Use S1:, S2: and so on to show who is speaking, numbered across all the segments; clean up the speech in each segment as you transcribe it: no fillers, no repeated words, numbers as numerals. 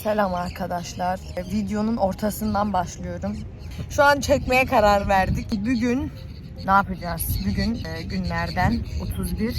S1: Selam arkadaşlar. Videonun ortasından başlıyorum. Şu an çekmeye karar verdik. Bugün ne yapacağız? Bugün günlerden 31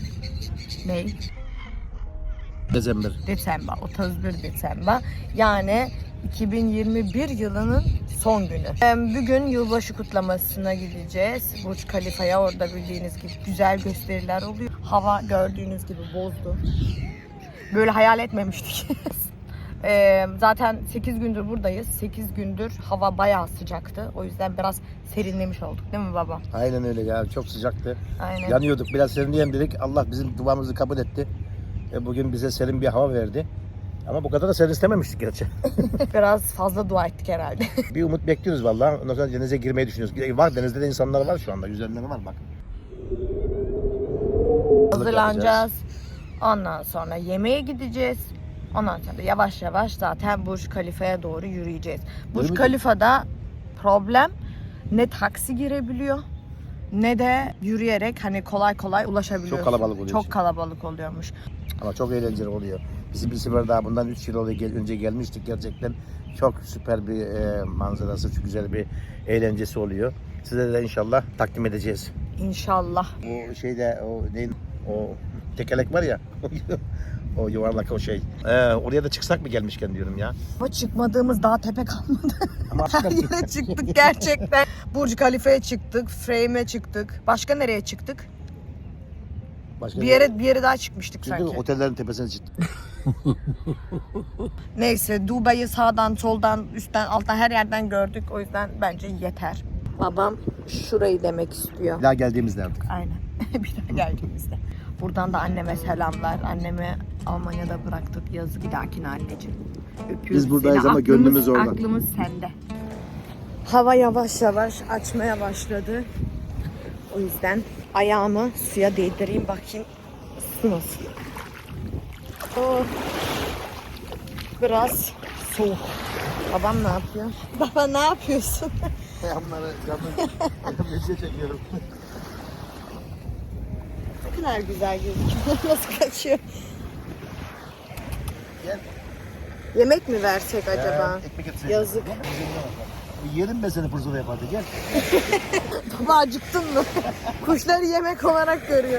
S1: Desember. 31 Desember. Yani 2021 yılının son günü. Bugün yılbaşı kutlamasına gideceğiz. Burj Khalifa'ya. Orada bildiğiniz gibi güzel gösteriler oluyor. Hava gördüğünüz gibi bozdu. Böyle hayal etmemiştik. Zaten 8 gündür buradayız. 8 gündür hava bayağı sıcaktı. O yüzden biraz serinlemiş olduk değil mi baba?
S2: Aynen öyle ya. Çok sıcaktı.
S1: Aynen.
S2: Yanıyorduk. Biraz serinleyelim dedik. Allah bizim duamızı kabul etti. Bugün bize serin bir hava verdi. Ama bu kadar da serin istememiştik gerçi.
S1: Biraz fazla dua ettik herhalde.
S2: Bir umut bekliyoruz vallahi. Ondan sonra denize girmeyi düşünüyoruz. Var, denizde de insanlar var şu anda. Yüzlerinde var bak.
S1: Hazırlanacağız. Ondan sonra yemeğe gideceğiz. Ondan sonra yavaş yavaş zaten Burj Khalifa'ya doğru yürüyeceğiz. Burj Khalifa'da problem ne taksi girebiliyor ne de yürüyerek hani kolay kolay ulaşabiliyorsun.
S2: Çok kalabalık oluyor.
S1: Çok kalabalık oluyormuş.
S2: Ama çok eğlenceli oluyor. Biz bir sefer daha bundan 3 yıl önce gelmiştik. Gerçekten çok süper bir manzarası, çok güzel bir eğlencesi oluyor. Size de inşallah takdim edeceğiz.
S1: İnşallah.
S2: O şeyde o tekerlek var ya. O yuvarlak o şey. Oraya da çıksak mı gelmişken diyorum ya.
S1: Ama çıkmadığımız daha tepe kalmadı.
S2: Ama
S1: Her yere çıktık gerçekten. Burj Khalifa'ya çıktık, Frame'e çıktık. Başka nereye çıktık?
S2: başka
S1: Bir yere daha çıkmıştık
S2: çünkü
S1: sanki.
S2: otellerin tepesine çıktık.
S1: Neyse Dubai'yi sağdan, soldan, üstten, alttan her yerden gördük. O yüzden bence yeter. Babam şurayı demek istiyor.
S2: Bir daha geldiğimizde artık.
S1: Aynen. Bir daha geldiğimizde. Buradan da anneme selamlar. Annemi Almanya'da bıraktık. Yazık, bir dahakine anneciğim. Öpüyoruz
S2: Biz buradayız
S1: seni.
S2: ama gönlümüz orada.
S1: Aklımız sende. Hava yavaş yavaş açmaya başladı. O yüzden ayağımı suya değdireyim bakayım su nasıl. Oh. Biraz soğuk. Babam ne yapıyor? Baba ne yapıyorsun?
S2: Yanları mesaj çekiyorum.
S1: Ne kadar güzel gözüküyor. Nasıl kaçıyor?
S2: Gel.
S1: Yemek mi versek acaba?
S2: Ekmek etsene.
S1: Yazık.
S2: Yerim ben seni fırsatı yapardı. Gel.
S1: Baba acıktın mı? Kuşları yemek olarak görüyor.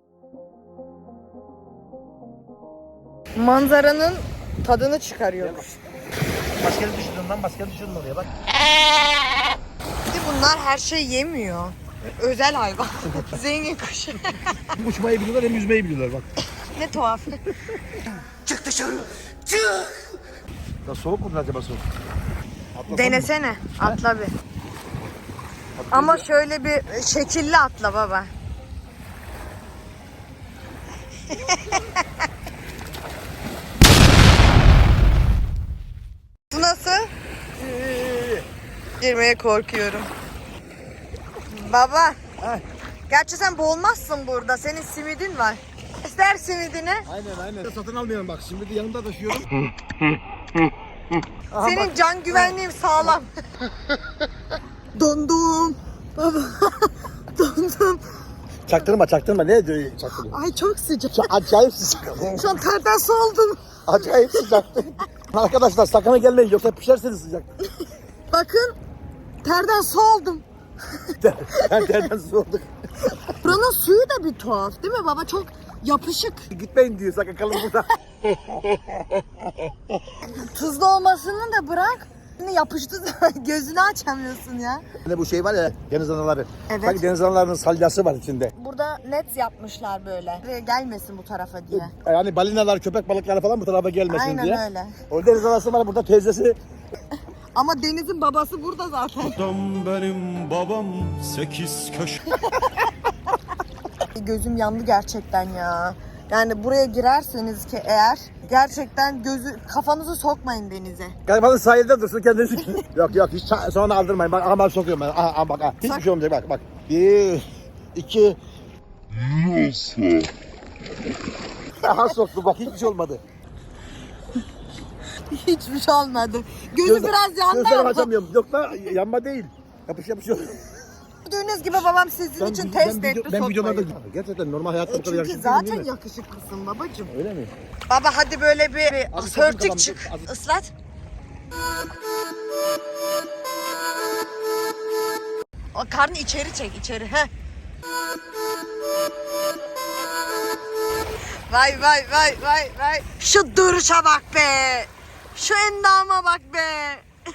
S1: Manzaranın tadını çıkarıyormuş.
S2: Maskeni düşürdün lan, maskeni düşürdün oraya bak.
S1: Bir de bunlar her şey yemiyor. Özel hayvan. Zengin kuş.
S2: Hem uçmayı biliyorlar hem yüzmeyi biliyorlar bak.
S1: Ne tuhaf.
S2: Çık dışarı. Çık. Ya soğuk mu acaba soğuk? Atlasana
S1: Denesene.
S2: mı?
S1: Atla bir. Ama şöyle bir şekilli atla baba. Bu nasıl? Girmeye korkuyorum. Baba.
S2: Heh.
S1: Gerçi sen boğulmazsın burada. Senin simidin var. İster simidini.
S2: Aynen. Satın almayalım bak. Şimdi de yanımda taşıyorum.
S1: Senin can güvenliğin sağlam. Dondum. Baba. Dondum.
S2: Çaktırma. Ne diyor çaktırma?
S1: Ay çok sıcak.
S2: Acayip sıcak.
S1: Şu an terden su oldum.
S2: Acayip sıcak. Arkadaşlar sakına gelmeyin yoksa pişersiniz sıcak.
S1: Bakın. Terden su oldum.
S2: Ben terden soğuduk.
S1: Buranın suyu da bir tuhaf değil mi baba? Çok yapışık.
S2: Gitmeyin diyor sakın kalın burada.
S1: Tuzlu olmasını da bırak. Şimdi yapıştı gözünü açamıyorsun ya.
S2: Hani bu şey var ya deniz anaları.
S1: Evet.
S2: Sanki deniz analarının salyası var içinde.
S1: Burada net yapmışlar böyle. Buraya gelmesin bu tarafa diye.
S2: Yani balinalar, köpek balıkları falan bu tarafa gelmesin
S1: Aynen
S2: diye.
S1: öyle.
S2: O deniz anası var burada teyzesi.
S1: Ama Deniz'in babası burada zaten.
S3: Adam benim babam 8 köşe.
S1: Gözüm yandı gerçekten ya. Yani buraya girerseniz ki eğer gerçekten kafanızı sokmayın denize.
S2: Galiba sahilde dursun kendisi. yok hiç sonra aldırmayın. Bak ama sokuyorum ben. Aha bak. Hiçbir şey olmayacak bak. 1 2 Nasıl? Aha soktu bak hiçbir şey olmadı.
S1: Hiçbir şey olmadı. Gözü biraz yandı
S2: Gözlerimi
S1: ama.
S2: açamıyorum. Yok da yanma değil. Yapışıyor.
S1: Gördüğünüz gibi babam sizin için test etti sokmayı.
S2: Gerçekten normal hayatta bu kadar
S1: Çünkü
S2: yakışıklı
S1: zaten
S2: değil mi?
S1: yakışıklısın babacığım.
S2: Öyle mi?
S1: Baba hadi böyle bir sörtük
S2: bakalım,
S1: çık.
S2: az-
S1: Islat. O karnı içeri çek içeri. Heh. Vay vay vay vay vay. Şu duruşa bak be. Şu endama bak be.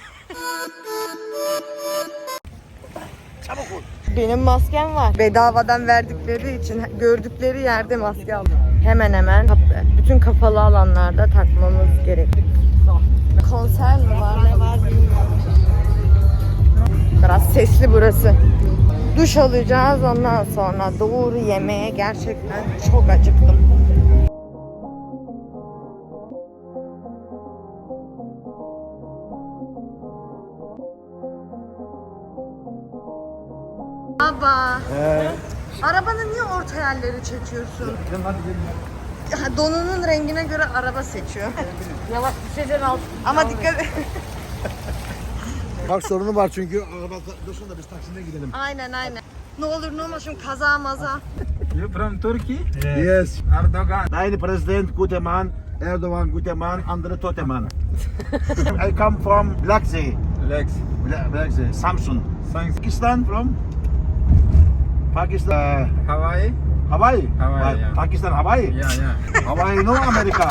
S2: Çabuk ol.
S1: Benim maskem var. Bedavadan verdikleri için gördükleri yerde maske aldım. Hemen hemen bütün kapalı alanlarda takmamız gerekli. Konser mi var ne var bilmiyorum. Biraz sesli burası. Duş alacağız ondan sonra doğru yemeğe gerçekten çok acıktım. Baba. Arabanı niye orta yerleri çekiyorsun? Donunun rengine göre araba seçiyor. Yavaş düşeceksin alt. Ama dikkat et.
S2: Bak sorunu var çünkü araba dursun da biz taksine gidelim.
S1: Aynen aynen. Ne olur ne olmaz şimdi kaza maza.
S4: You from Turkey?
S2: Yes.
S4: Erdogan.
S2: Nein, President, gute Mann. Erdogan, gute Mann, andere tote Mann. I come from Black Sea.
S4: Lex.
S2: Black Sea, Samsun.
S4: Thanks.
S2: Pakistan from? Pakistan.
S4: Hawaii?
S2: Hawaii.
S4: Hawaii, yeah.
S2: Pakistan, Hawaii.
S4: Yeah, yeah.
S2: Hawaii, no America.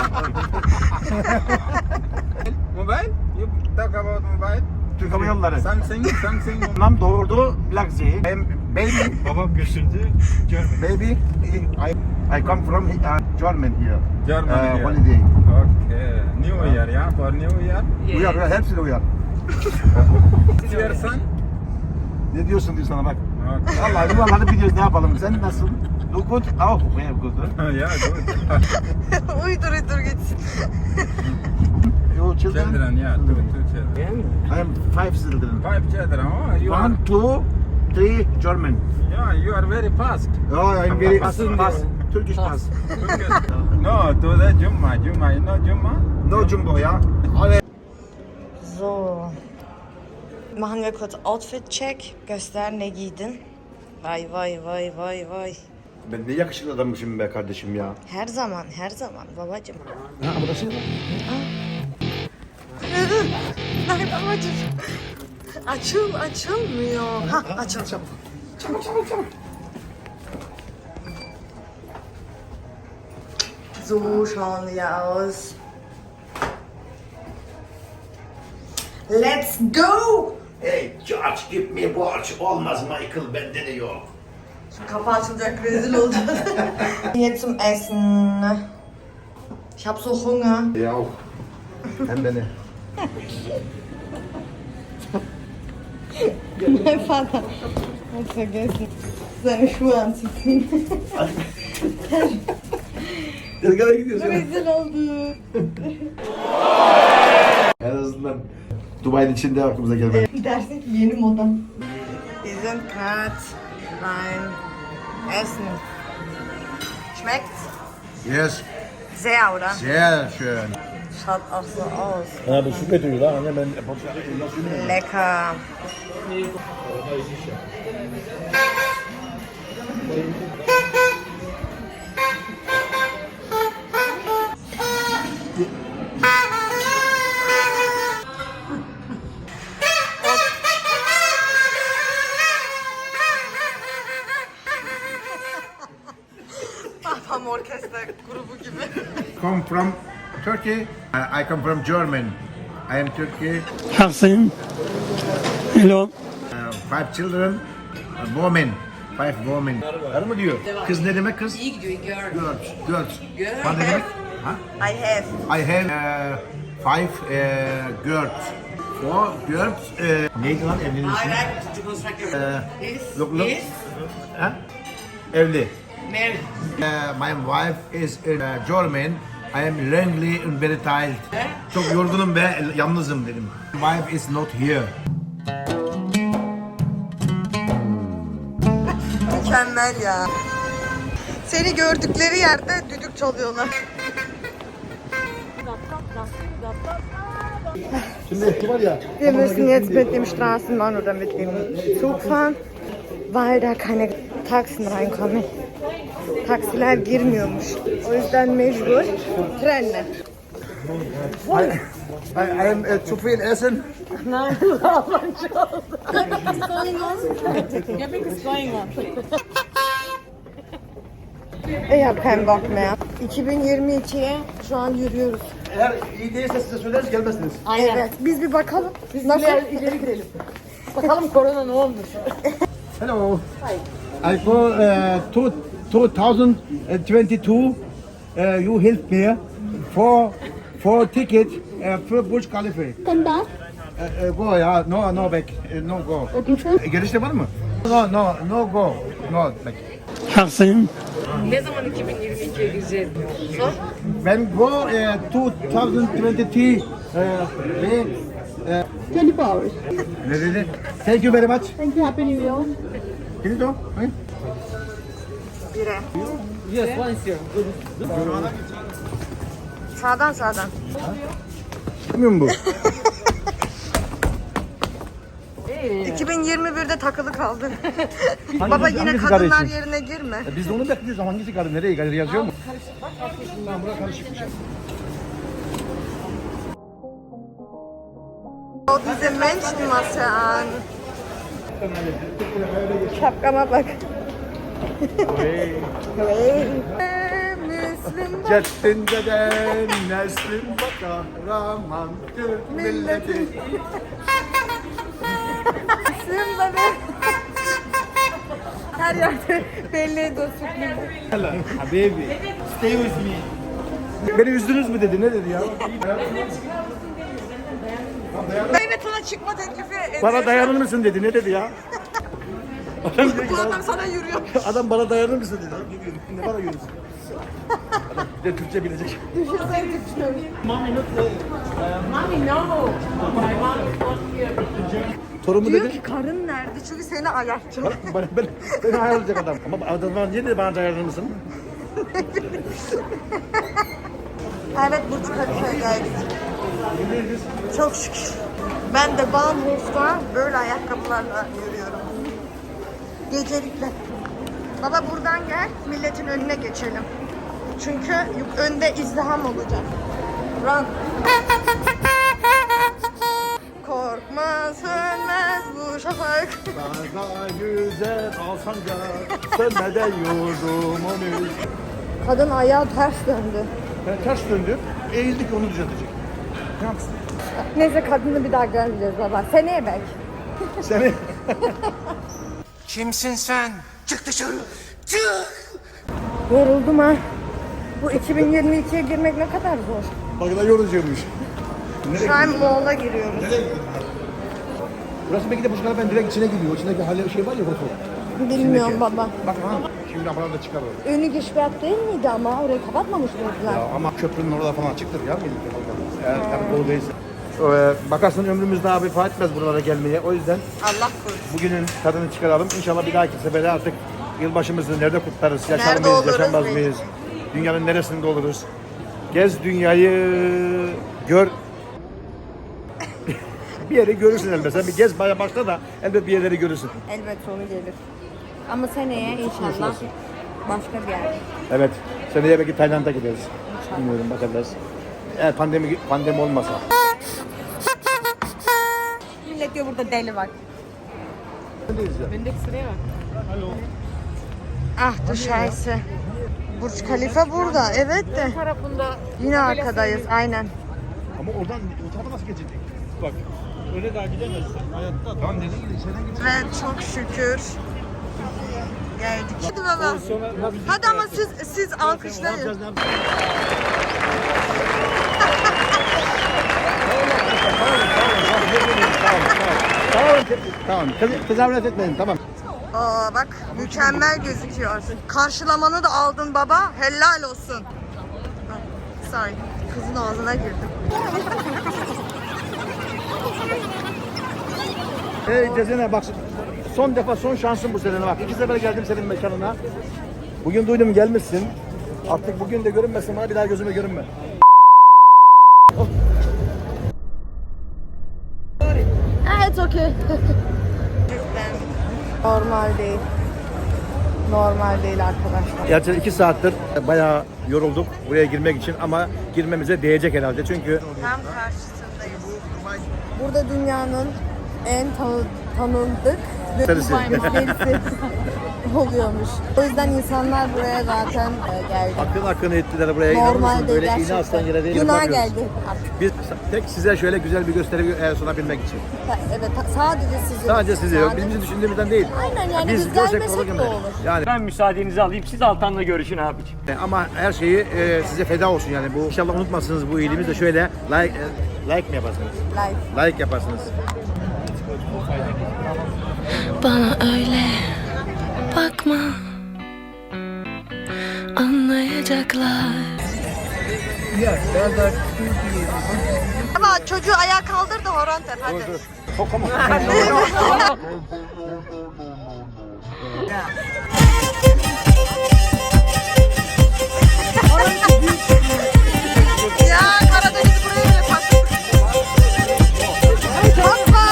S4: Mobile? You talk about mobile?
S2: Türk Hava Yolları.
S4: Something.
S2: Nam doğurdu Black Sea. Baby,
S3: Babam götürdü. Görmedim.
S2: baby, I come from Germany here.
S4: Germany here.
S2: Holiday.
S4: Okay. New Year, yeah? For New Year?
S2: Uyar, hepsini uyar.
S4: Is your son?
S2: Ne diyorsun diyor sana bak.
S4: Okay.
S2: Vallahi yuvarlanıp gidiyoruz ne yapalım. Sen nasıl? Look good. Oh, very good.
S4: Yeah, good.
S1: uydur gitsin.
S2: Your children?
S4: Children, yeah. Two children.
S2: I am 5 children.
S4: 5 children. Oh, you are...
S2: 1, 2, 3 German.
S4: Yeah, you are very fast.
S2: Oh, I am very fast. Turkish fast.
S4: No, to the Jumma. Jumma, you know Jumma?
S2: No jumbo ya.
S1: So. Machen wir kurz Outfit check. Göster ne giydin. Vay vay vay vay vay.
S2: Ben ne yakışıklı adammışım be kardeşim ya.
S1: Her zaman babacığım.
S2: Ha burası.
S1: Ay babacığım. Açılmıyor. Ha açıl.
S2: Çabuk.
S1: So schauen wir aus. Let's go!
S2: Hey George, give me watch. Olmaz Michael, bende de yok.
S1: Şu kapı açılacak, rezil olacağız. Hier zum Essen. Ich hab so Hunger.
S2: Ya. Hem beni.
S1: Mein Vater hat vergessen, seine Schuhe anzuziehen.
S2: Nereye gidiyorsun?
S1: Rezil oldu.
S2: En azından Dubai'nin içinde aklımıza gelmedi.
S1: Dersin ki yeni moda. Wir sind gerade beim Essen. Schmeckt's?
S2: Yes.
S1: Sehr, oder?
S2: Sehr schön.
S1: Schaut auch so aus.
S2: Ha bu su götürüyor lan. Anne ben
S1: Lecker. Babam orkestra grubu gibi.
S2: come from Turkey. I come from German. I am Turkey.
S5: Hasim. Hello.
S2: 5 children. Women. 5 women. Karı mı diyor? Kız ne demek kız?
S1: İyi gidiyor, girl.
S2: Girls. Girls. Ne demek? Ha?
S1: I have.
S2: I have 5 girls. 4 girls. Neydi lan evliliğin ismi? Look. Ha? Evli.
S1: Married.
S2: My wife is German. I am lonely and very tired. Çok yorgunum ve yalnızım dedim. My wife is not here.
S1: Mükemmel ya. Seni gördükleri yerde düdük çalıyorlar.
S2: Şimdi var ya.
S1: Wir müssen jetzt mit dem Straßenbahn oder mit dem Zug fahren. weil da keine Taxen reinkommen. Taksiler girmiyormuş. O yüzden mecbur trenle.
S2: I am zu viel essen.
S1: Nein, Almanca oldu. Ich habe keinen Bock mehr. 2022'ye şu an yürüyoruz.
S2: Eğer iyi değilse size söyleriz gelmezsiniz.
S1: Evet. Biz bir bakalım. Biz nasıl ileri girelim. Bakalım korona ne olmuş.
S2: Hello. I for 2022 you help me for ticket for Burj Khalifa. Go ya no back no go. Gelişte var mı? No go no back.
S5: Taksim.
S1: Ne zaman 2022'ye gireceğiz?
S2: Ben go 2022
S6: 24 hours.
S2: ne dedi? Thank you very much.
S6: Thank you. Happy New Year.
S2: Can you
S1: Bire. Sağdan.
S2: Bilmiyor musun bu?
S1: 2021'de takılı kaldın.
S2: Hangisi-
S1: Baba yine
S2: hangisi
S1: kadınlar
S2: kardeşim?
S1: yerine girme.
S2: Biz de onu bekliyoruz ama hangisi kadın? Nereye kadar yazıyor mu? Lan bura karışıkmış.
S1: O diese Menschenmasse an. Şapkama bak. Hey. Müslüm bak.
S2: Ceddindeden neslin baka Rahman Türk milleti.
S1: Müslüm bak. Her yerde belli ediyor sürprizi.
S2: Habibi. Stay with me. Beni üzdünüz mü dedi? Ne dedi ya?
S1: Evet ona çıkma teklifi ediyor.
S2: Bana dayanır mısın dedi. Ne dedi ya? Adam, dedi ki,
S1: Bu adam sana yürüyor.
S2: adam bana dayanır mısın dedi. Ne bana yürüsün? Adam bir de Türkçe bilecek.
S1: Düşünsene Türkçe.
S2: Torumu
S1: Diyor
S2: dedi.
S1: ki karın nerede? Çünkü seni ayartacak.
S2: Beni ayarlayacak adam. Ama adam bana niye dedi bana dayanır mısın?
S1: Evet Burç Kalifa'ya geldik. Çok şükür. Ben de Bahnhof'ta böyle ayakkabılarla yürüyorum. Gecelikle. Baba buradan gel, milletin önüne geçelim. Çünkü önde izdiham olacak. Run. Korkma sönmez bu şafak.
S2: Daha güzel alsanca sönmeden yurdum onu.
S1: Kadın ayağı ters döndü.
S2: Ben ters döndü. Eğildik onu düzeltecek. Ne yapsın?
S1: Neyse kadını bir daha görmeyeceğiz baba. Seneye belki.
S2: Seni
S3: Kimsin sen? Çık dışarı.
S1: Yoruldum ha. Bu 2022'ye girmek ne kadar zor.
S2: bak da yorucuymuş.
S1: Şu an Moğol'a giriyoruz.
S2: Burası belki de bu sefer ben direkt içine gidiyor. İçindeki hali şey var ya foto.
S1: Bilmiyorum baba.
S2: Bak ha. Şimdi aparat da çıkar orada.
S1: Önü gesperrt değil miydi ama orayı kapatmamış mıydılar?
S2: Ya ama köprünün orada falan açıktır ya. Eğer tabii dolu değilse. Bakarsın ömrümüz daha bir fark etmez buralara gelmeye. O yüzden
S1: Allah korusun.
S2: bugünün tadını çıkaralım. İnşallah bir dahaki sefere artık yılbaşımızı nerede kutlarız? Yaşar
S1: Nerede
S2: mıyız,
S1: oluruz
S2: yaşamaz
S1: belki.
S2: mıyız? Dünyanın neresinde oluruz? Gez dünyayı, gör. Bir yeri görürsün elbette. Sen bir gez baya başla da elbet bir yerleri görürsün.
S1: Elbet sonu gelir. Ama seneye inşallah başka bir yer.
S2: Evet. Seneye belki Tayland'a gideriz. Bilmiyorum bakacağız. Eğer pandemi olmasa.
S1: Millet diyor burada deli var. Ah du Scheiße. Burç Khalifa burada. Evet de. Yine arkadayız. Aynen.
S2: Ama oradan o tarafa nasıl geçecek? Bak. Öyle daha gidemezsin. Hayatta. Tamam dedim ki içeriden gidecek.
S1: Ve çok şükür geldik. Hadi baba. Hadi ama siz alkışlayın.
S2: Tamam. Tezahürat etmeyin. Tamam.
S1: Aa bak mükemmel gözüküyor. Karşılamanı da aldın baba. Helal olsun. Ah, sorry. Kızın ağzına girdim.
S2: Hey Cezene bak son defa son şansın bu sene bak. 2 sefer geldim senin mekanına. Bugün duydum gelmişsin. Artık bugün de görünmesin bana bir daha gözüme görünme.
S1: Evet okey. Normal değil. Normal değil arkadaşlar.
S2: Gerçekten 2 saattir bayağı yorulduk buraya girmek için ama girmemize değecek herhalde çünkü
S1: Tam karşısındayız. Burada dünyanın en tanındık
S2: Serisi.
S1: müşterisi oluyormuş. O yüzden insanlar buraya zaten geldi.
S2: akın ettiler buraya. İnanır mısın?
S1: Normalde
S2: Böyle
S1: gerçekten.
S2: iğne aslan yere değil.
S1: Günah
S2: bakıyoruz.
S1: geldi artık.
S2: Biz tek size şöyle güzel bir gösteri sunabilmek için.
S1: Evet, sadece sizi.
S2: Sadece sizi, bizim düşündüğümüzden değil.
S1: Aynen yani biz
S2: görsek
S1: gelmesek
S2: olur
S1: de
S2: gibi.
S1: olur.
S2: Yani
S6: Ben müsaadenizi alayım. Siz Altan'la görüşün abiciğim.
S2: ama her şeyi size feda olsun yani. Bu inşallah unutmazsınız bu iyiliğimizi de şöyle like mi yaparsınız? Like yaparsınız.
S7: Bana öyle bakma, anlayacaklar.
S1: Ama çocuğu ayağa kaldır da horon tep hadi. Ya Karadeniz buraya mı yaparsın? Hoppa!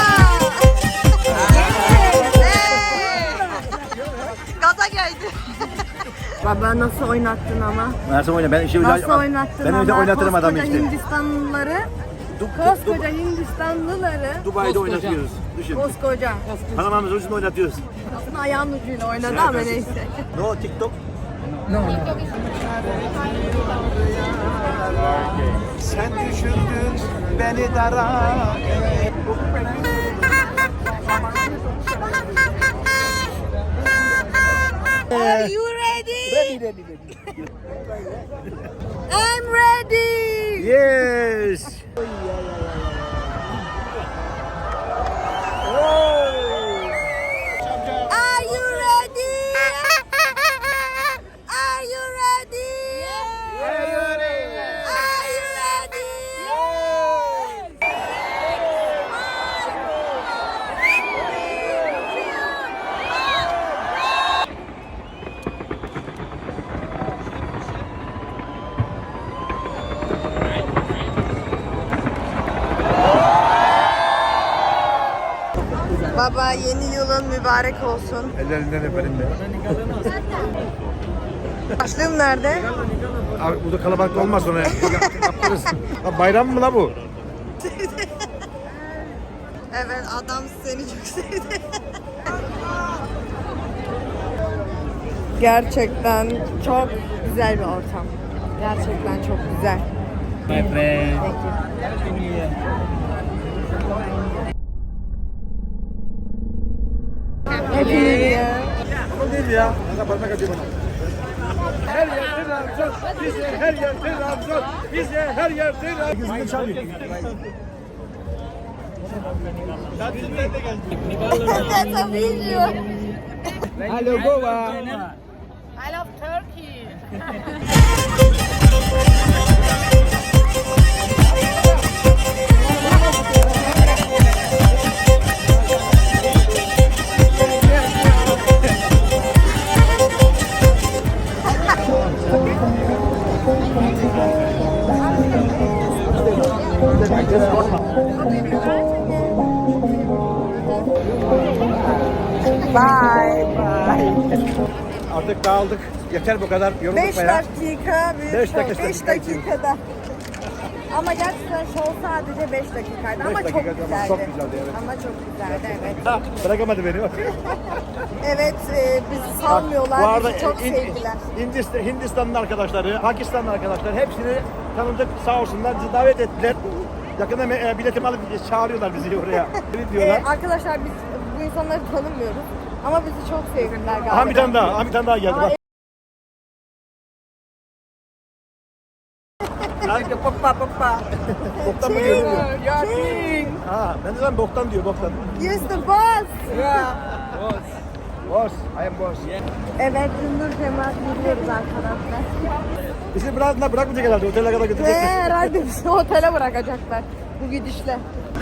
S1: Gaza geldi. Baba nasıl oynattın ama?
S2: Nasıl oyna? Ben işi
S1: Nasıl oynattın
S2: ben
S1: ama?
S2: öyle oynatırım adamı
S1: Koskoca
S2: işte.
S1: Hindistanlıları, koskoca Hindistanlıları,
S2: Dubai'de oynatıyoruz. Düşün.
S1: koskoca.
S2: Panama'mızın ucunda oynatıyoruz.
S1: Aslında ayağının ucuyla oynadı ama neyse.
S2: No TikTok.
S3: Sen düşürdün beni dara.
S1: Are you ready? I'm ready.
S2: Yes.
S1: Are you ready? Are you ready? Are you ready? Baba yeni yılın mübarek olsun.
S2: Ellerinden öperim de.
S1: Başlığım nerede?
S2: Abi burada kalabalık olmaz sonra. Yaparız. Lan bayram mı la bu?
S1: Evet adam seni çok sevdi. Gerçekten çok güzel bir ortam. Gerçekten çok güzel.
S6: My friend.
S1: Thank you. Happy New Year.
S2: Bu değil ya. Kanka parmak atıyor bana. Her yerde Ramazan. Bize her yerde Ramazan. Bize her yerde Ramazan. Gözümde çalıyor.
S1: That's a video.
S2: Hello Goa.
S1: I love Turkey. Bye bye.
S2: Artık dağıldık. Yeter bu kadar. Yorulduk
S1: 5
S2: bayağı.
S1: dakika bir
S2: Beş
S1: şov.
S2: dakika,
S1: 5 dakikada. Ama gerçekten şov sadece 5 dakikaydı ama çok
S2: dakikada ama
S1: güzeldi.
S2: çok güzeldi, evet.
S1: Ama çok güzeldi evet.
S2: Ha, bırakamadı beni.
S1: Evet bizi salmıyorlar.
S2: Bu arada
S1: bizi çok sevdiler.
S2: Hindistanlı arkadaşları, Pakistanlı arkadaşlar hepsini tanıdık sağ olsunlar. Bizi davet ettiler. Yakında biletimi alıp çağırıyorlar bizi oraya. Ne diyorlar?
S1: Arkadaşlar biz bu insanları tanımıyoruz. Ama bizi çok sevdiler galiba.
S2: Aha bir tane daha, aha bir tane daha geldi. Bak.
S1: Kanka papa papa.
S2: Boktan mı diyor?
S1: King.
S2: Ha, ben de lan boktan diyor, boktan.
S1: Yes the boss.
S2: Boss, I am boss.
S1: Evet Ünlü Cemaat gidiyoruz arkadaşlar.
S2: Bizi bırakmayacak herhalde, otele kadar
S1: Ve
S2: götürecekler.
S1: herhalde bizi otele bırakacaklar bu gidişle.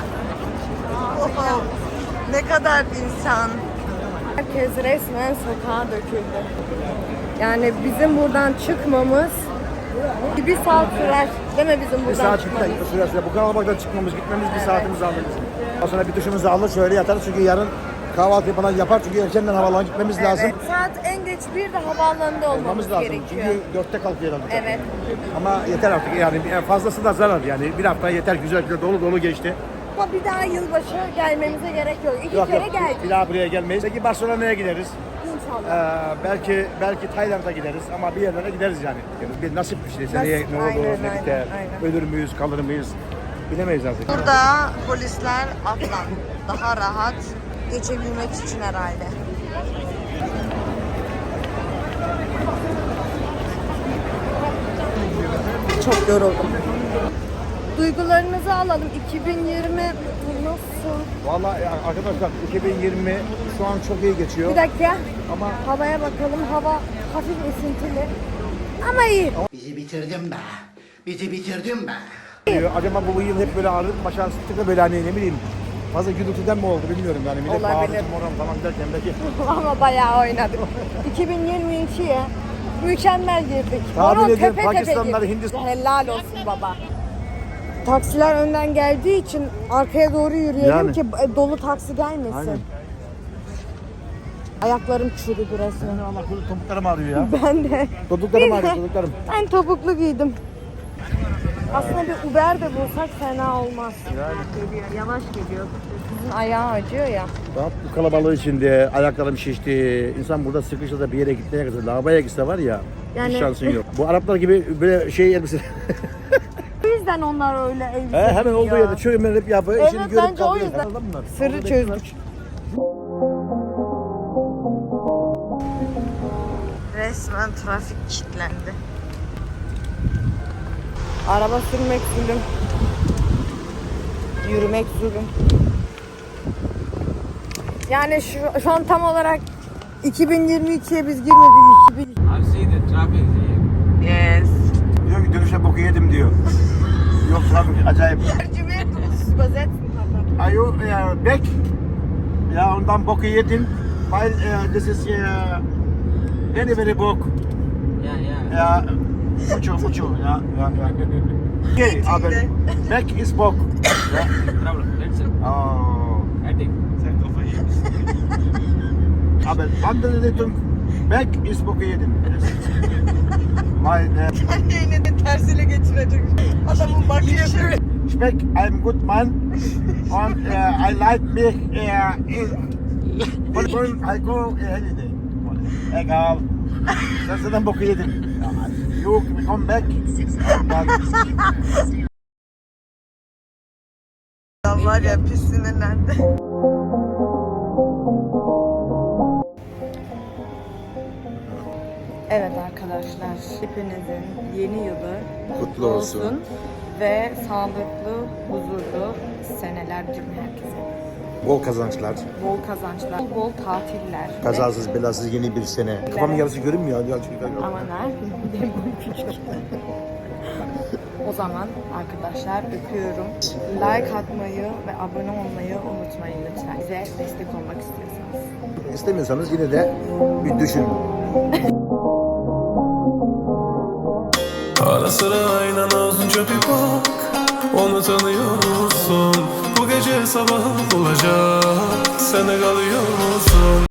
S1: Oho, ne kadar insan. Herkes resmen sokağa döküldü. Yani bizim buradan çıkmamız bir saat sürer. Değil mi bizim
S2: Bir
S1: buradan
S2: saat
S1: çıkmamız?
S2: süresi. Bu kalabalıktan çıkmamız, gitmemiz bir saatimizi alır bizim. Ondan sonra bir duşumuzu alır, şöyle yatarız çünkü yarın kahvaltı falan yapar çünkü erkenden havalan gitmemiz lazım.
S1: Evet, saat en geç 1'de havaalanında olmamız
S2: lazım.
S1: gerekiyor.
S2: Çünkü 4'te kalkıyor herhalde.
S1: Evet.
S2: Ama yeter artık yani fazlası da zarar yani. Bir hafta yeter, güzel dolu dolu geçti.
S1: Ama bir daha yılbaşı gelmemize gerek yok. İki
S2: Yok,
S1: kere
S2: yok,
S1: geldik.
S2: bir daha buraya gelmeyiz. Peki Barcelona'ya gideriz.
S1: İnşallah.
S2: Belki Tayland'a gideriz ama bir yerlere gideriz yani. Bir nasip bir şey. Seneye
S1: Nasip,
S2: ne olur,
S1: aynen,
S2: ne biter,
S1: aynen.
S2: ölür müyüz, kalır mıyız bilemeyiz artık.
S1: Burada polisler atlan. Daha rahat geçebilmek için herhalde. Çok yoruldum. Duygularınızı alalım. 2020 nasıl?
S2: Vallahi arkadaşlar 2020 şu an çok iyi geçiyor.
S1: Bir dakika.
S2: Ama
S1: Havaya bakalım. Hava hafif esintili. Ama iyi.
S8: Bizi bitirdin be. Bizi bitirdin be.
S2: acaba bu yıl hep böyle ağrıp başa sıktık da böyle hani ne bileyim fazla gürültüden mi oldu bilmiyorum yani. Millet
S1: Olabilir.
S2: bağırdı moran falan derken belki.
S1: Ama bayağı oynadık. 2022'ye mükemmel girdik.
S2: Tahmin
S1: Horon
S2: ediyorum
S1: tepe tepe
S2: Pakistanlılar,
S1: girdik.
S2: Hindistan.
S1: Helal olsun baba. Taksiler önden geldiği için arkaya doğru yürüyelim
S2: Yani.
S1: ki dolu taksi gelmesin.
S2: Aynen.
S1: Ayaklarım çürüdü resmen.
S2: Allah korusun topuklarım ağrıyor ya.
S1: Ben de.
S2: Topuklarım ağrıyor topuklarım.
S1: Ben topuklu giydim. Aslında bir Uber de bulsak fena olmaz. Geliyor, yavaş geliyor. Sizin ayağı acıyor ya.
S2: Bak bu kalabalığı içinde ayaklarım şişti. İnsan burada sıkışsa da bir yere gitmeye kadar lavaboya gitse var ya
S1: Yani-
S2: hiç şansın yok. Bu Araplar gibi böyle şey elbise.
S1: O yüzden onlar öyle elbise
S2: Hemen olduğu
S1: giyiyor.
S2: yerde çöğünler hep yapıyor.
S1: Evet,
S2: işini görüp
S1: bence o
S2: kalkıyor.
S1: yüzden.
S2: Anladın mı?
S1: Sırrı
S2: Orada
S1: çözdük.
S2: bekliyorlar.
S1: Resmen trafik kilitlendi. Araba sürmek zulüm. Yürümek zulüm. Yani şu an tam olarak 2022'ye biz girmedik.
S6: I've seen the traffic here.
S1: Yes.
S2: Diyor ki dönüşte boku yedim diyor. Yok trafik acayip.
S1: Tercüme übersetzen.
S2: Are you back? Ya ondan boku yedin. Weil this is very very bok.
S6: Yeah.
S2: Ya mucho ya. Okay, aber back is bok. Ya.
S6: Problem. Let's see.
S2: Oh.
S6: I think.
S2: Aber andere Richtung back is boku yedim. Weil
S1: Yine de tersiyle getirecek. Adamın bakışı.
S2: Speck, I'm good man and I like me I go holiday. Egal. Sen zaten boku yedin. You come back.
S1: Var ya pis sinirlendi. Evet arkadaşlar, hepinizin yeni yılı
S2: Kutlu olsun.
S1: ve sağlıklı, huzurlu seneler diliyorum herkese.
S2: Bol kazançlar,
S1: Bol kazançlar, bol tatiller.
S2: kazasız belasız yeni bir sene. Kafamın yarısı görünmüyor.
S1: Aman ha, benim boyum küçük. O zaman arkadaşlar öpüyorum. Like atmayı ve abone olmayı unutmayın lütfen. Bize destek olmak istiyorsanız.
S2: İstemiyorsanız yine de bir düşün.
S3: Ara sıra aynen ağzınca bir bak. Onu tanıyor musun? Bu gece sabah olacak. Sen de kalıyor musun?